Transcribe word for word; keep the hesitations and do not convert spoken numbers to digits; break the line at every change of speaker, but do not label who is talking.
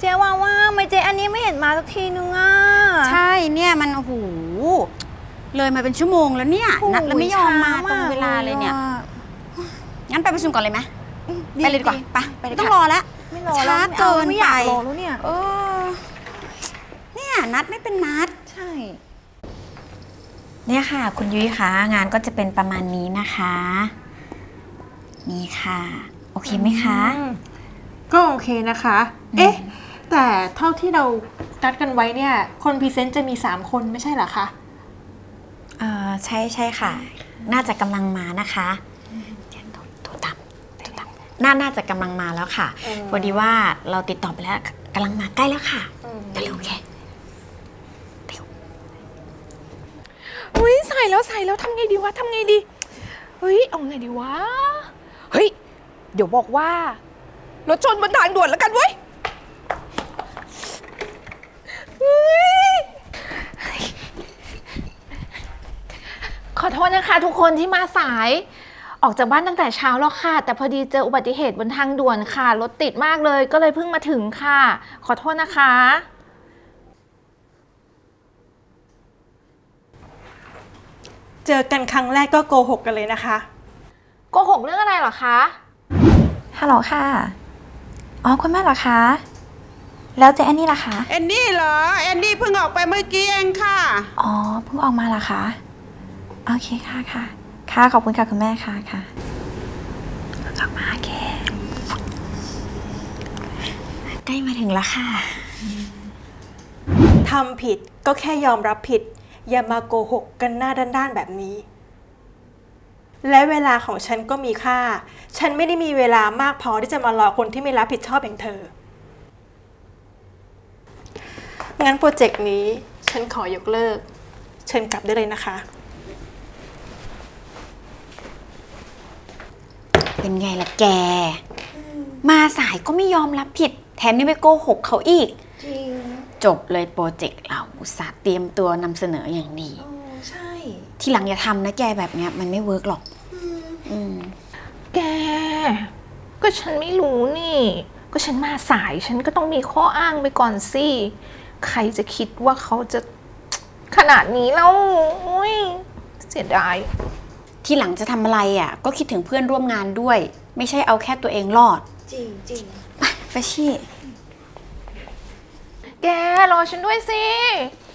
เจ๊ว่าว่าไม่เจ๊อันนี้ไม่เห็นมาสักทีนึงอ่ะ
ใช่เนี่ยมันโอ้โหเลยมาเป็นชั่วโมงแล้วเนี่ยนัดแล้วไม่ยอมมาตรงเวลาเลยเนี่ยงั้นไปประชุมก่อนเลยไหมไปเลยดีกว่าไปไม่ต้องรอแล้วช้าเกินไปเออเนี่ยนัดไม่เป็นนัด
ใช่
เนี่ยค่ะคุณยุ้ยคะงานก็จะเป็นประมาณนี้นะคะนี่ค่ะโอเคไหมคะ
ก็โอเคนะคะเอ๊ะแต่เท่าที่เรานัดกันไว้เนี่ยคนพรีเซนต์จะมีสามคนไม่ใช่เหรอคะ
เออใช่ใช่ค่ะ น่าจะกำลังมานะคะตัวต่ำตัวต่ำน่าน่าจะกำลังมาแล้วค่ะพอดีว่าเราติดต่อไปแล้วกำลังมาใกล้แล้วค่ะเร็วๆแค่
อุ้ยใส่แล้วใส่แล้วทำไงดีวะทำไงดีเฮ้ยเอาไงดีวะเฮ้ยเดี๋ยวบอกว่ารถชนบนทางด่วนแล้วกันเว้ยขอโทษนะคะทุกคนที่มาสายออกจากบ้านตั้งแต่เช้าแล้วค่ะแต่พอดีเจออุบัติเหตุบนทางด่วนค่ะรถติดมากเลยก็เลยเพิ่งมาถึงค่ะขอโทษนะคะ
เจอกันครั้งแรกก็โกหกกันเลยนะคะ
โกหกเรื่องอะไรเหรอคะ
ฮัลโหลค่ะอ๋อคุณแม่เหรอคะแล้วเจ๊แอนนี่ล่ะคะ
แอนนี่เหรอแอนนี่เพิ่งออกไปเมื่อกี้เองค่ะ
อ๋อเพิ่งออกมาเหรอคะโอเคค่ะค่ะค่ะขอบคุณค่ะคุณแม่ค่ะค่ะออกมาแก
ใกล้มาถึงแล้วค่ะ
ทำผิดก็แค่ยอมรับผิดอย่ามาโกหกกันหน้าด้านๆแบบนี้และเวลาของฉันก็มีค่าฉันไม่ได้มีเวลามากพอที่จะมารอคนที่ไม่รับผิดชอบอย่างเธองั้นโปรเจกต์นี้ฉันขอยกเลิกเชิญกลับได้เลยนะคะ
เป็นไงล่ะแกมาสายก็ไม่ยอมรับผิดแถมยังไปโกหกเขาอีก
จริง
จบเลยโปรเจกต์เราอุตส่าห์เตรียมตัวนำเสนออย่างดี
ใช่
ทีหลังอย่าทำนะแกแบบเนี้ยมันไม่เวิร์กหรอกอืม
แกก็ฉันไม่รู้นี่ก็ฉันมาสายฉันก็ต้องมีข้ออ้างไปก่อนสิใครจะคิดว่าเขาจะขนาดนี้แล้วอุ้ยเสียดาย
ทีหลังจะทำอะไรอ่ะก็คิดถึงเพื่อนร่วมงานด้วยไม่ใช่เอาแค่ตัวเองรอด
จริงจริง
ไปเฟชชี่
แกรอฉันด้วยสิ